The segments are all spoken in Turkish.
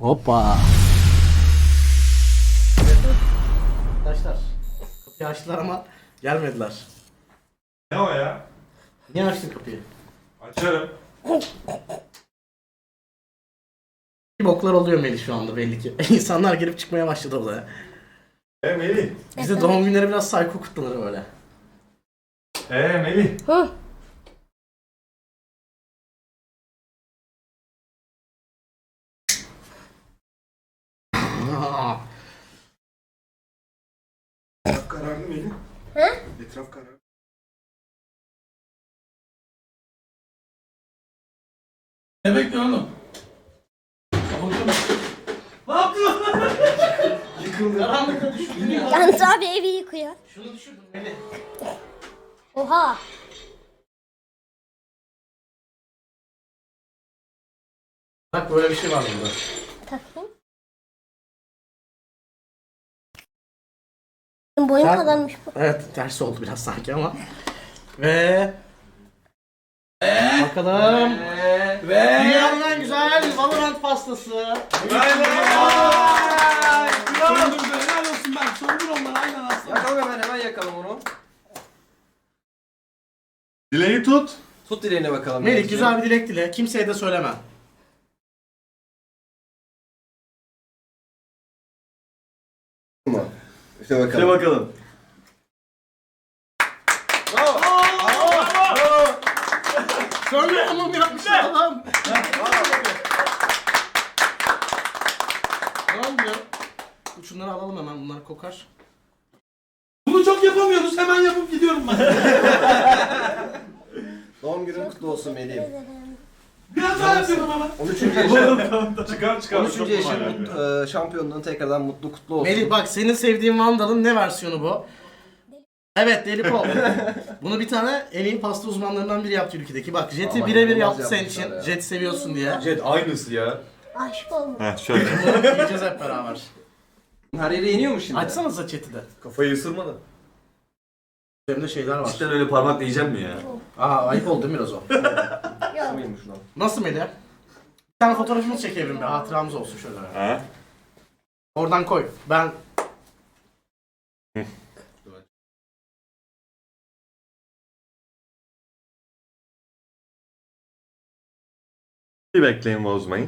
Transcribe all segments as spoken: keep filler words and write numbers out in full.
Hoppa. Arkadaşlar kapıyı açtılar ama gelmediler. Ne o ya? Niye açtın kapıyı? Açarım. Boklar oluyor Melih şu anda belli ki. İnsanlar girip çıkmaya başladı odaya. E Melih. Bizde doğum günleri biraz psycho kutlanır böyle. E Melih. Hı. Aa, Etraf kararlı Melih. He? Etraf kararlı. Ne bekliyorsun oğlum? Ne yapıyorsun? Karanlıkta düşürdün ya. Yalnız abi evi yıkıyor. Şunu düşürdün Melih. Oha. Bak böyle bir şey var burada. Takayım. Boyum Sen- kadarmış bu. Evet ters oldu biraz sanki ama. Ve... Bakalım. Ve... Dünyanın en güzel Valorant pastası. Söndürdü, helal olsun ben. Söndür onları aynen aslında. Yakalım hemen hemen yakalım onu. Dileği tut. Tut dileğine bakalım. Melih güzel bir dilek dile. Kimseye de söyleme. mı? İşte bakalım. Hadi bakalım. Söyle hamam yapmışlar adam. Ne oluyor? Şunları alalım hemen, bunlar kokar. Bunu çok yapamıyoruz. Hemen yapıp gidiyorum ben. Doğum günün kutlu olsun Melih'im. Biraz daha yapıyorum ama. on üçüncü yaşın, Çıkar çıkar. on üçüncü yaşın mut- e, şampiyonluğun tekrardan mutlu kutlu olsun. Melih bak, senin sevdiğin Vandal'ın ne versiyonu bu? Evet, Deli Pol. Bunu bir tane en iyi pasta uzmanlarından biri yaptı ülkedeki. Bak Jet'i Vallahi birebir inanılmaz yaptı senin yapmışlar için. ya. Jet'i seviyorsun diye. Jet aynısı ya. Aşık olmuş. Heh şöyle. Bunu yiyeceğiz hep beraber. Her yere iniyor mu şimdi? Açsanıza chat'i de. Kafayı ısırmadı. Üzerimde şeyler var. Cidden öyle parmakla yiyeceğim mi ya? Aa, ayıp oldu değil mi biraz o? Yok. Mıymış lan? Nasıl Melih? Bir tane fotoğrafımız çekelim bir, hatıramız olsun şöyle. Ha? Oradan koy. Ben... Bir bekleyin, bozmayın.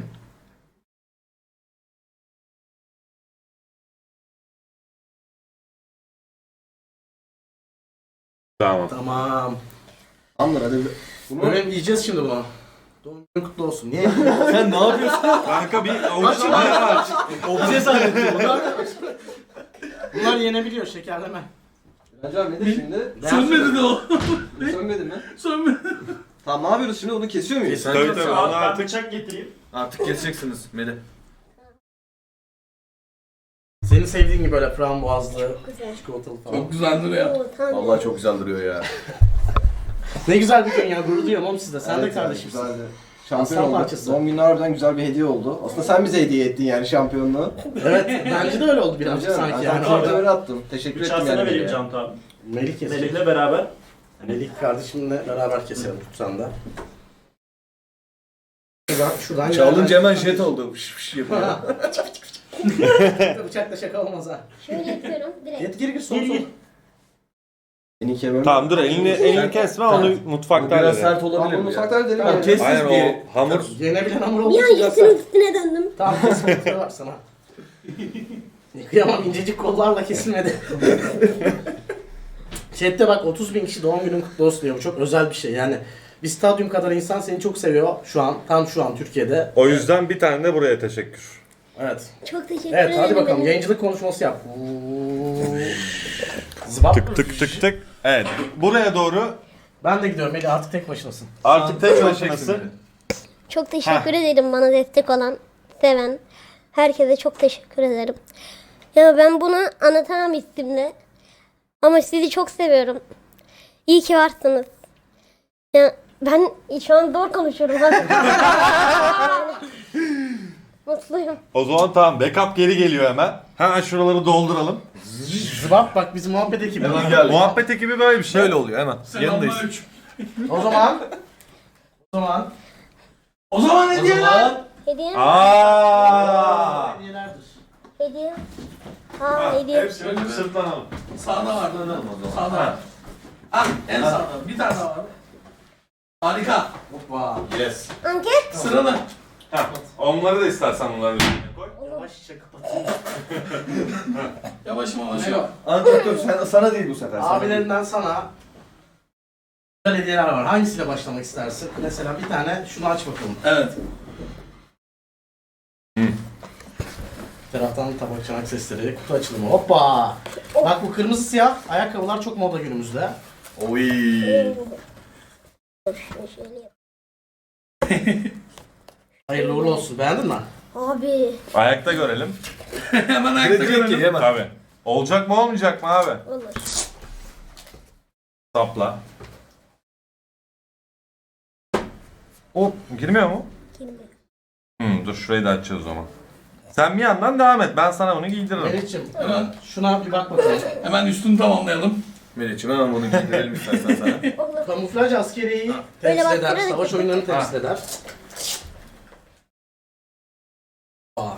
Tamam. Tamam. Tamamdır hadi. Bunu Böyle yiyeceğiz şimdi bunu. Doğum günün kutlu olsun. Niye? Sen ne yapıyorsun? Kanka bir avuçla bayağı aç. Obje zannettim. bunlar, bunlar yenebiliyor, şekerleme. Acaba nedir şimdi? Sönmedi de o. Bu sönmedi mi? Sönmedi. Tamam ne yapıyoruz şimdi? Onu kesiyor muyuz? Kes. Tabii tabii, onu Ben artık, bıçak getireyim. artık keseceksiniz Melih. Senin sevdiğin gibi böyle frambuazlı, Güzel. çikolatalı falan. Çok güzel duruyor. Oo, tamam. Vallahi çok güzel duruyor ya. Ne güzel bir gün ya, gurur duyuyorum oğlum sizde. Sen Evet de yani, kardeşimsin. güzeldi. Şampiyon Aslan olduk. parçası. Doğum günü harbiden güzel bir hediye oldu. Aslında sen bize hediye ettin yani şampiyonluğu. Evet, bence de öyle oldu birazcık Hocam, sanki ben yani. kartı Orada öyle attım. Teşekkür Bıçağı ettim sana yani. vereyim Melih'e. Can abi. Melih kesecek. Melih'le beraber. Melih kardeşimle beraber keselim tutsan da. Şuradan, şuradan Çalınca hemen jet oldu. Fış fış yapıyor. Bıçakla şaka olmaz ha. Şöyle yapıyorum direkt. Git gir gir son Gir, son. gir. Beni kemem. Tamam dur elini elini kesme onu mutfakta Biraz halledelim. sert Tamam olabilir bunu mi ya? mutfakta edelim. Tamam, yani. kes. Aynen o hamur Yenebilen hamur olduğu Bir an için biraz Jet'in sert. üstüne döndüm. Tamam kesinlikle var sana. Kıyamam, incecik kollarla kesilmedi. Chat'te bak otuz bin kişi doğum günün kutlu olsun diyor. Bu çok özel bir şey yani. Bir stadyum kadar insan seni çok seviyor şu an. Tam şu an Türkiye'de. o yüzden bir tane de buraya teşekkür. Evet. Çok teşekkür Evet ederim. hadi bakalım benim. yayıncılık konuşması yap. Zıbap. Tık tık tık tık. Evet buraya doğru Ben de gidiyorum Melih, artık tek başınasın. artık tek başınasın. Çok teşekkür ederim bana destek olan, seven. Herkese çok teşekkür ederim. Ya ben bunu anlatamam isimle. Ama sizi çok seviyorum. İyi ki varsınız. Ya ben şu an zor konuşuyorum. Mutluyum. O zaman tamam backup geri geliyor hemen. Hemen şuraları dolduralım. Zıbap bak bizim muhabbet ekibi. Muhabbet ekibi böyle bir şey. Şöyle oluyor hemen. Yanındayız. Selamünaleyküm. O zaman. O zaman. O zaman O hediyeler. zaman. Hediyem Aa! Şöyle bir Sırtlanalım. sağda var. Sağda var. Al en sağda. Bir tane daha var. Harika. Hoppa. Yes. Anket. Sıralı. Ha, onları da istersen bunları üstüne koy. Yavaşça kapatayım. Yavaş yavaş. Melo. Anket dur sen, sana değil bu sefer. sana değil. Abilerinden sana güzel hediyeler var. Hangisiyle başlamak istersin? Mesela bir tane şunu aç bakalım. Evet. Bir taraftan tabak çanak sesleri, kutu açılımı. Hoppa! Bak bu kırmızı siyah ayakkabılar çok moda günümüzde. Oy. Şöyle yap. Hayırlı uğurlu olsun. Beğendin mi? Abi. Ayakta görelim. Hemen ayakta Direkt ki görelim. hemen. Tabii. Olacak mı olmayacak mı abi? Olur. Sapla. Hop, girmiyor mu? Girmiyor. Hmm, dur şurayı da açacağız o zaman. Sen bir yandan devam et. Ben sana bunu giydiririm. Melih'ciğim Hemen, şuna bir bak bakalım. hemen üstünü tamamlayalım. Melih'ciğim hemen bunu giydirelim istersen sana. Olur. Kamuflaj askeriyeyi Böyle temsil eder, baktırarak savaş yapın. oyunlarını temsil eder. Aa.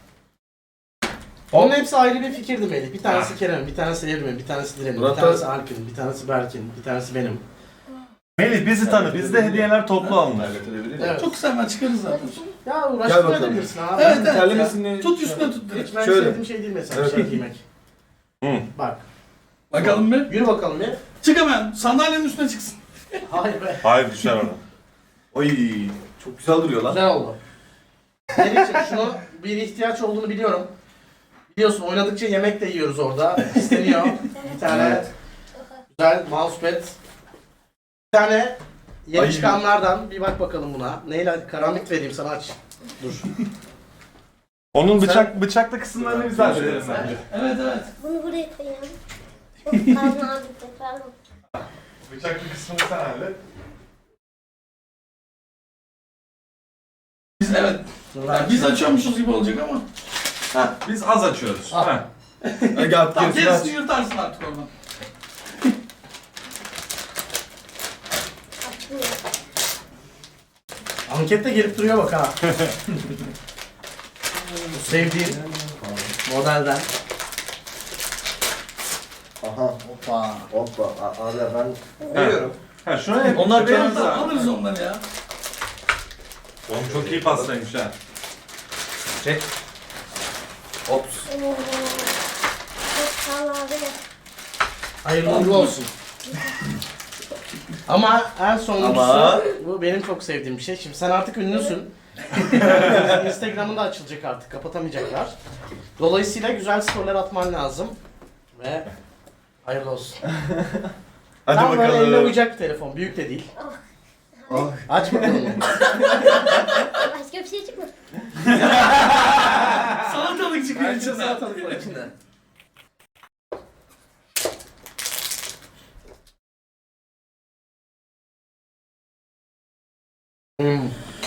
Onun hepsi ayrı bir fikirdi Melih. Bir tanesi Kerem, bir tanesi Evrim'in, bir tanesi Diren'in, bir Murat tanesi da- Alp'in, bir tanesi Berk'in, bir tanesi benim. Melih bizi tanı. Bizde hediyeler toplu alınır. Halledebilir Evet. Çok kısa hemen çıkarız zaten. Ya Gel uğraştırma bakalım. edebilirsin abi. Evet, evet. Terlemesini... Tut üstüne tut direkt. Hiç ben Şöyle. sevdiğim şey değil mesela Evet, şey evet. giymek. Hı. Bak, Bakalım bir. yürü bakalım bir. Çık hemen. Sandalyenin üstüne çıksın. Hayır be. Hayır düşer ona. Oy. Çok güzel duruyor lan. Güzel oldu. Melih'ciğim şunu bir ihtiyaç olduğunu biliyorum. Biliyorsun oynadıkça yemek de yiyoruz orada. İsteniyor. Bir tane Evet. güzel mousepad. Bir tane yeni Ay. çıkanlardan bir bak bakalım buna. Neyle karambit vereyim sana aç. Dur. Onun bıçak bıçaklı kısımlarını biz hallederiz Sen- bence. Evet evet. Bunu buraya koyalım. Çok kalın abi tekrar. Bıçaklı kısmını sen hallet. Biz evet. Yani biz açıyormuşuz gibi olacak ama. Ha, biz az açıyoruz. Al. Ha. Hadi gel Tamam gerisini aç. gerisini yırtarsın artık oradan. Açmıyor. Ankette gelip duruyor bak ha. Bu sevdiğin modelden. Aha. Hoppa. Hoppa. A- Abi ben veriyorum. Ha şuna hep Onlar şuraya benim yap. Tamam, alırız onları ya. Oğlum çok iyi pastaymış ha. Çek. Ops. Oo. Çok sağ ol abi. Hayırlı uğurlu olsun. Ama en sonuncusu Ama- bu benim çok sevdiğim bir şey. Şimdi sen artık ünlüsün. Instagram'ın da açılacak artık. Kapatamayacaklar. Dolayısıyla güzel storyler atman lazım. Ve hayırlı olsun. Hadi Tam böyle eline bakalım. uyacak bir telefon. Büyük de değil. Ah. Aç bakalım. Başka bir şey çıkmadı. Salatalık çıkıyor Bence içinden. salatalık var içinde. Hmm.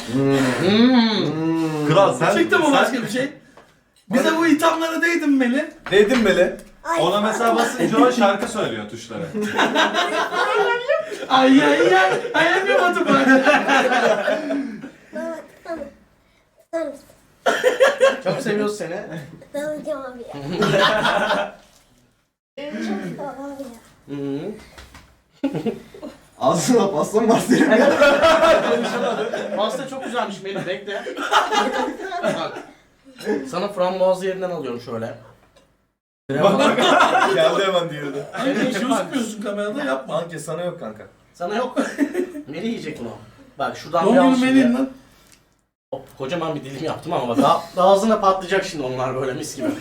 Hmm. Kral sen, Çıktı mı sen başka bir şey? Bize bu ithamlara değdin mi Melih? Değdin Meli. Ay. ona mesela basınca o şarkı söylüyor tuşlara. Ay ay ay. Ay ay bir batı bırak. Baba tamam. Tamam. Çok seviyoruz seni. Tamam abi ya. Çok sağ ol abi ya. Hı. Ağzına pasta mı var senin? Pasta çok güzelmiş Melih. Bekle. Bak. Sana frambuazlı yerinden alıyorum şöyle. Geldi hemen diğeri de. Ay gözükmüyorsun kamerada yapma. Anke sana yok kanka. Sana yok. Melih yiyecek bunu. Bak şuradan Doğum bir al günü şimdi. Melih'in lan. Hop, kocaman bir dilim yaptım ama bak daha, daha ağzına patlayacak şimdi onlar böyle mis gibi.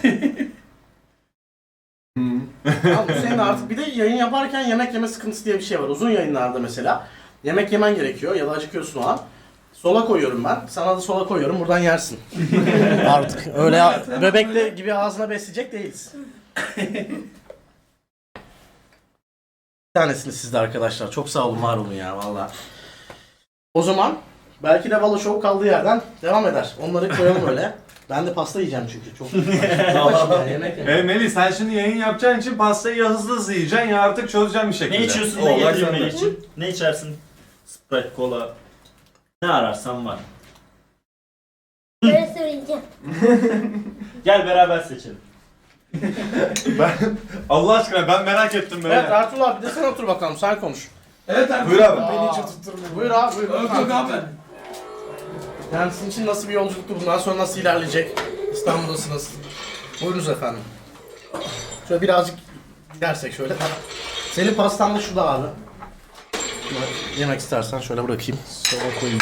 Tamam, bu senin artık bir de yayın yaparken yemek yeme sıkıntısı diye bir şey var. Uzun yayınlarda mesela yemek yemen gerekiyor ya da acıkıyorsun o an. Sola koyuyorum ben. Sana da sola koyuyorum. Buradan yersin. Artık öyle bebekle gibi ağzına besleyecek değiliz. Bir tanesini sizde arkadaşlar. Çok sağ olun, var olun ya valla. O zaman belki de Valo Show kaldığı yerden devam eder. Onları koyalım öyle. Ben de pasta yiyeceğim çünkü. Çok Başım ya, yemek yemek. E Melih sen şimdi yayın yapacağın için pastayı ya hızlı hızlı yiyeceksin ya artık çözeceksin bir şekilde. Ne içiyorsun Oo, da bak getireyim sen de. benim için. Ne içersin? Sprite, kola. Ne ararsan var. Böyle söyleyeceğim. Gel beraber seçelim. Ben, Allah aşkına ben merak ettim böyle. Evet Ertuğrul abi de sen otur bakalım sen konuş. Evet abi. Buyur abi. Beni hiç oturtturmuyor. Buyur abi buyur. Yok yok abi. Yani sizin için nasıl bir yolculuktu, bundan sonra nasıl ilerleyecek? İstanbul'dasınız. Buyurunuz efendim. Şöyle birazcık gidersek şöyle. Senin pastan da şurada abi. Şöyle yemek istersen şöyle bırakayım. Sola koyayım.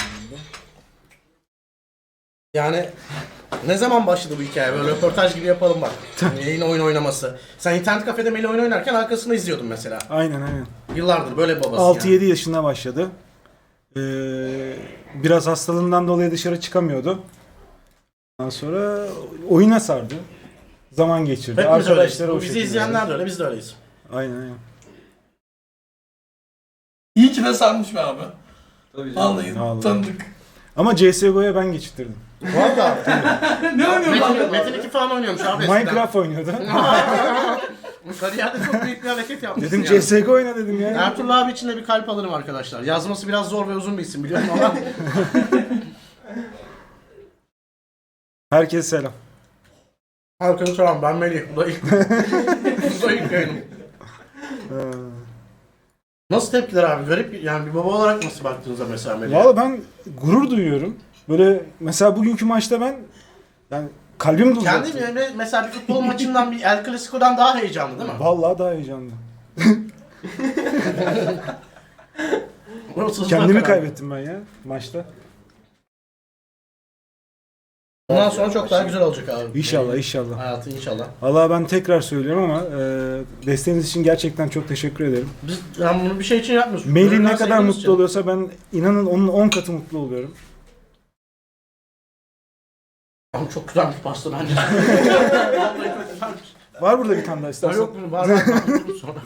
Yani ne zaman başladı bu hikaye? Böyle röportaj gibi yapalım bak. Yayın oyun oynaması. Sen internet kafede Melih oyun oynarken arkasında izliyordun mesela. Aynen aynen. Yıllardır böyle bir babası altı yedi yani. yaşında başladı. Ee, biraz hastalığından dolayı dışarı çıkamıyordu. Ondan sonra oyuna sardı. Zaman geçirdi. Hepimiz öyleyiz. Arkadaşları Bu o bizi şekilde. izleyenler de öyle, biz de öyleyiz. Aynen aynen. İyi ki de sarmış be abi. Tabii canım. Vallahi Vallahi. tanıdık. Ama C S G O'ya ben geçirttirdim. Valla. Ne oynuyorsun abi? Metin, Metin iki falan oynuyormuş abi eskiden. Minecraft oynuyordu. Kariyerde çok büyük bir hareket yapmışsın Dedim yani. C S G O oyna dedim ya. Ertuğrul abi için de bir kalp alırım arkadaşlar. Yazması biraz zor ve uzun bir isim biliyorum ama. Herkese selam. Herkese selam, ben Melih. Bu da ilk, bu da ilk yayınım. Ee, Nasıl tepkiler abi? Garip yani, bir baba olarak nasıl baktığınızda mesela Melih? Valla ben gurur duyuyorum. Böyle mesela bugünkü maçta ben yani kalbim durdu. Kendi yani mesela bir futbol maçından, bir El Clasico'dan daha heyecanlı değil mi? Vallahi daha heyecanlı. Orası hızlı Kendimi karar. kaybettim ben ya maçta. Bundan sonra çok daha güzel olacak abi. İnşallah inşallah. Hayatı inşallah. Vallahi ben tekrar söylüyorum ama e, desteğiniz için gerçekten çok teşekkür ederim. Biz yani bunu bir şey için yapmıyoruz. Melih Gönülden ne kadar sevdiğimiz mutlu için. oluyorsa ben inanın onun on katı mutlu oluyorum. Ama çok güzel bir pasta bence. Vallahi çok güzelmiş. Var burada bir tane daha Ha, istersen. yok bunun var var. var. Sonra.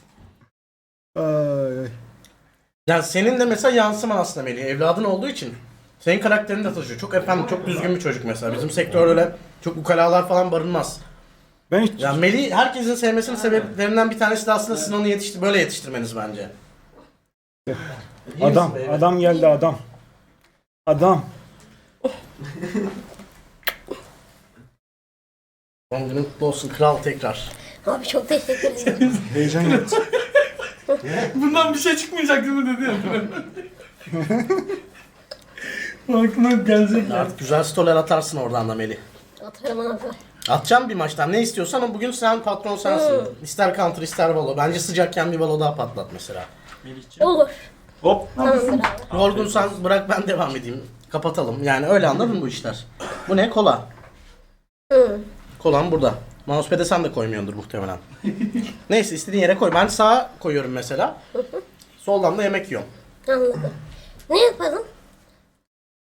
Ay, ay. Yani senin de mesela yansıman aslında Melih. Evladın olduğu için senin karakterini de taşıyor. Çok efendim, çok düzgün bir çocuk mesela. Bizim sektör öyle çok ukalalar falan barınmaz. Ben hiç Yani Melih herkesin sevmesinin sebeplerinden bir tanesi de aslında sizin onu yetiştir böyle yetiştirmeniz bence. İyi adam misin beyler? adam geldi adam. Adam. Doğum günün kutlu olsun kral tekrar. Abi çok teşekkür ederim. Heyecan yaptı. Bundan bir şey çıkmayacak değil mi dedi ya. Aklına gelecek ya. Artık güzel storyler atarsın oradan da Melih. Atarım abi. Atacağım bir maçtan ne istiyorsan ama bugün sen patron sensin. İster counter ister valo. Bence sıcakken bir valo daha patlat mesela. Olur. Hop. Tamamdır abi. Yorgunsan bırak ben devam edeyim. Kapatalım. Yani öyle anladın bu işler. Bu ne? Kola. Hı. Kolan burada. Mousepad'e sen de koymuyordur muhtemelen. Neyse istediğin yere koy. Ben sağa koyuyorum mesela. Soldan da yemek yiyorum. Anladım. Ne yapalım?